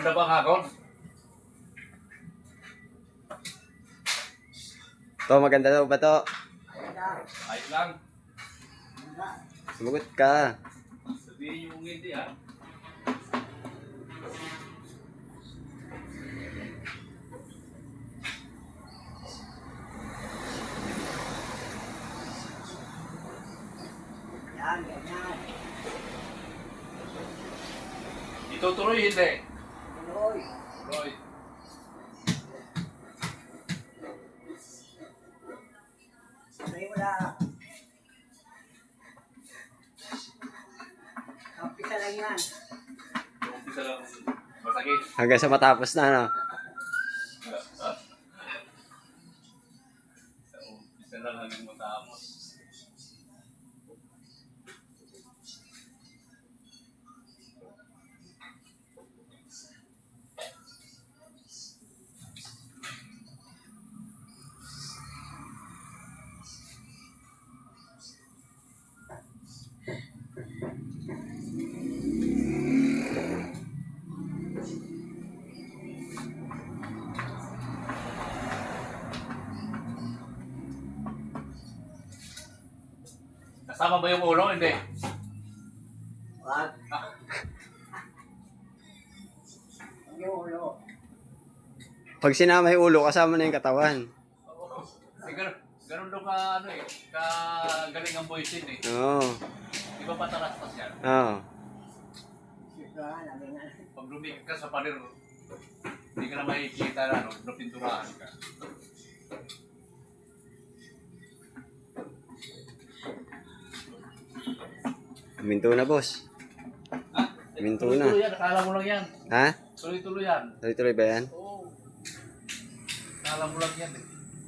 Maganda ba ako? To, maganda daw ba to? Ayos lang. Sumagot ka. Sabihin yung hindi ah. Yan, ganyan. Itutuloy hindi. Tuloy. Roy. Tuloy mo na. Kampisa lang yan. Umpisa lang. Masakit. Hanggang sa matapos na, no? Umpisa lang hanggang matapos. Kasama ba yung ulo? Hindi. Wag. Yung ulo. Pag sinama yung ulo, kasama na yung katawan. Eh, ganun daw ka, ano eh, ka galing ang voice eh. Oo. Di ba patalastas yan? Oo. Siyempre, namin nga. Pag lumikit ka sa pader, hindi ka na makikita na, no? Napinturahan ka. Minto na, boss. Ha? Minto Tuloy-tuloy na. yan, akala mo lang yan. Ha? Tuloy-tuloy yan. Tuloy-tuloy ba yan? Oo. Akala mo lang yan eh.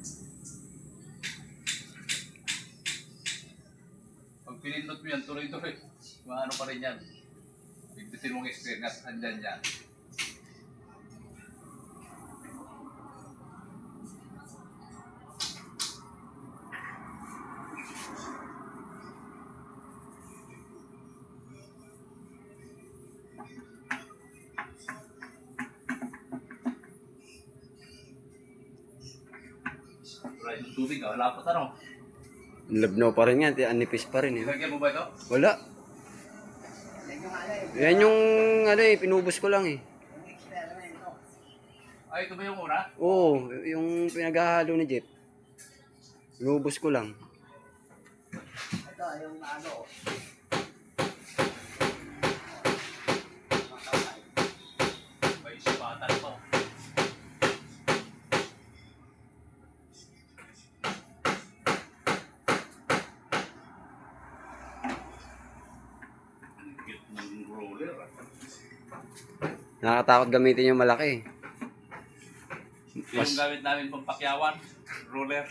Pag pinindot mo yan, tuloy-tuloy. Maano pa rin yan. Bigbitin mong experience, andyan yan. Wala yung tubig, wala pa tanong. Labnaw pa rin yan. Anipis pa rin. Eh. Lagyan mo ba ito? Wala. Yan yung ano eh. Yan yung, ano eh, pinubos ko lang eh. Yung eksperimento. Ay, ito ba yung una? Oo, yung pinaghahalo ni Jeff. Pinubos ko lang. Ito, yung ano. May sipatan pa. Ang cute ng roller. Nakakatakot gamitin yung malaki. Ito yung gamit namin pang pakyawan. Roller.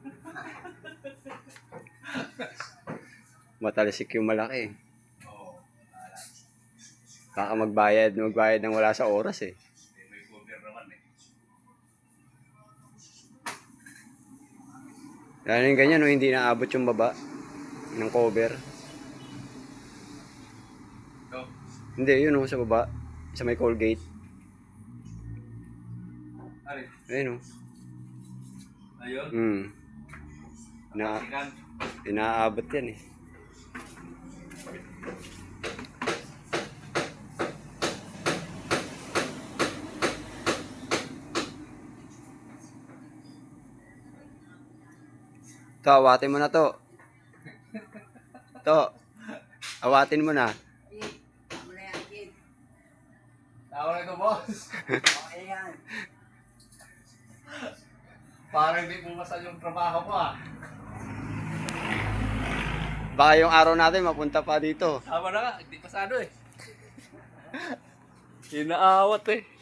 Matalisik yung malaki. Oo. Baka magbayad ng wala sa oras eh. May cover naman eh. Lalo yung ganyan, no, hindi naabot yung baba ng cover. Ito. Hindi, yun no, sa baba. Sa may Colgate. Ari. Ayun no. Ayun. Pasikan. Inaabot yan eh. To, awatin mo na to. To, awatin mo na. Kid, tama na yan, kid. Tawa na ito, boss. Okay yan. Parang hindi pumasan yung trabaho ko ah. Baka yung araw natin mapunta pa dito. Tama na nga, hindi pasado eh. Inaawat eh.